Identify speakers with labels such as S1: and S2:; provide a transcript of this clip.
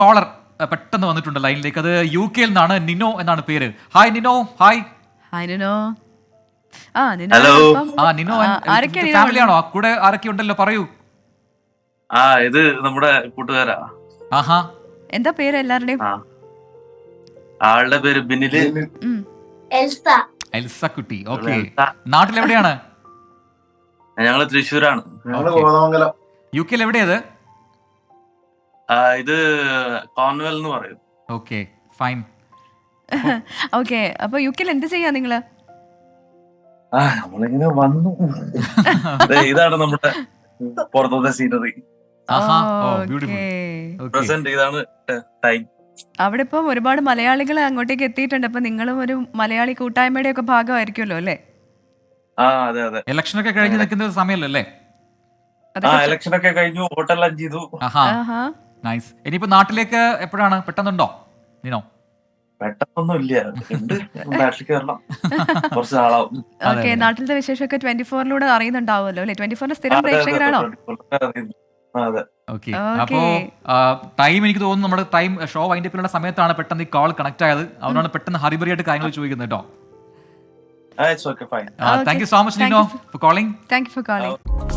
S1: Collar പെട്ടെന്ന് വന്നിട്ടുണ്ട് ലൈനിലേക്ക്. അത് യു കെയിൽ നിന്നാണ്. നിനോ എന്നാണ് പേര്. Hi Nino. Hi.
S2: Hi Nino. Nino
S3: hello.
S1: Nino
S2: ആരൊക്കെയാ നിനോ?
S1: ഫാമിലിയാണോ? കൂടെ ആരൊക്കെ ഉണ്ടല്ലോ, പറയൂ.
S3: ഇത് നമ്മുടെ കൂട്ടുകാരാ.
S1: ആഹാ.
S2: എന്താ പേര് എല്ലാവരുടെയും?
S3: ആളുടെ പേര് ബിനില്.
S4: എൽസ.
S1: എൽസ കുട്ടി. ഓക്കെ. നാട്ടിലെവിടെയാണ്?
S3: ഞങ്ങള് തൃശ്ശൂരാണ്.
S1: യു കെയിൽ എവിടെയത്?
S3: ഇത് കോൺവെൽ എന്ന് പറയും.
S1: Okay, fine.
S2: ഓക്കെ, അപ്പൊ യു കെയിൽ എന്ത് ചെയ്യാ നിങ്ങള്?
S3: നമ്മളിങ്ങനെ വന്നു. ഇതാണ് നമ്മുടെ പുറത്തത്തെ സീനറി.
S1: ആഹാ. ഓ, ബ്യൂട്ടിഫുൾ.
S2: Okay.
S3: പ്രസന്റ് ഇതാണ് ടൈം.
S2: അവിടെ ഇപ്പം ഒരുപാട് മലയാളികൾ അങ്ങോട്ടേക്ക് എത്തിയിട്ടുണ്ട്. അപ്പൊ നിങ്ങളും ഒരു മലയാളി കൂട്ടായ്മയുടെ ഒക്കെ ഭാഗമായിരിക്കുമല്ലോ അല്ലേ?
S3: അതെ അതെ.
S1: ഇലക്ഷൻ ഒക്കെ കഴിഞ്ഞ് നിൽക്കുന്ന ഒരു സമയമല്ലോ അല്ലേ?
S3: ഇലക്ഷൻ ഒക്കെ കഴിഞ്ഞു, വോട്ടെല്ലാം ചെയ്തു.
S1: ആഹാ,
S2: ആഹാ.
S1: നൈസ്. ഇനിയിപ്പോ നാട്ടിലേക്ക് എപ്പോഴാണ്? പെട്ടെന്നുണ്ടോ നിനോ?
S3: പെട്ടെന്നൊന്നും ഇല്ല, ഉണ്ട്. നാട്ടിൽ കയറണം, കുറച്ച് നാളാവും.
S2: ഓക്കെ, നാട്ടിലത്തെ വിശേഷമൊക്കെ 24-ലൂടെ അറിയുന്നുണ്ടാവുമല്ലോ അല്ലെ? 24 സ്ഥിരം പ്രേക്ഷകരാണോ?
S3: അതെ.
S1: ഓക്കെ. അപ്പോ ടൈം എനിക്ക് തോന്നുന്നു നമ്മുടെ ടൈം ഷോ വൈൻഡപ്പിലുള്ള സമയത്താണ് പെട്ടെന്ന് ഈ കോൾ കണക്ട് ആയത്. അതുകൊണ്ടാണ് പെട്ടെന്ന് ഹറിബറിയായിട്ട് കാര്യങ്ങൾ ചോദിക്കുന്നത് കേട്ടോ.
S3: It's okay, fine.
S1: Thank you so much Nino for calling.
S2: Thank you for calling.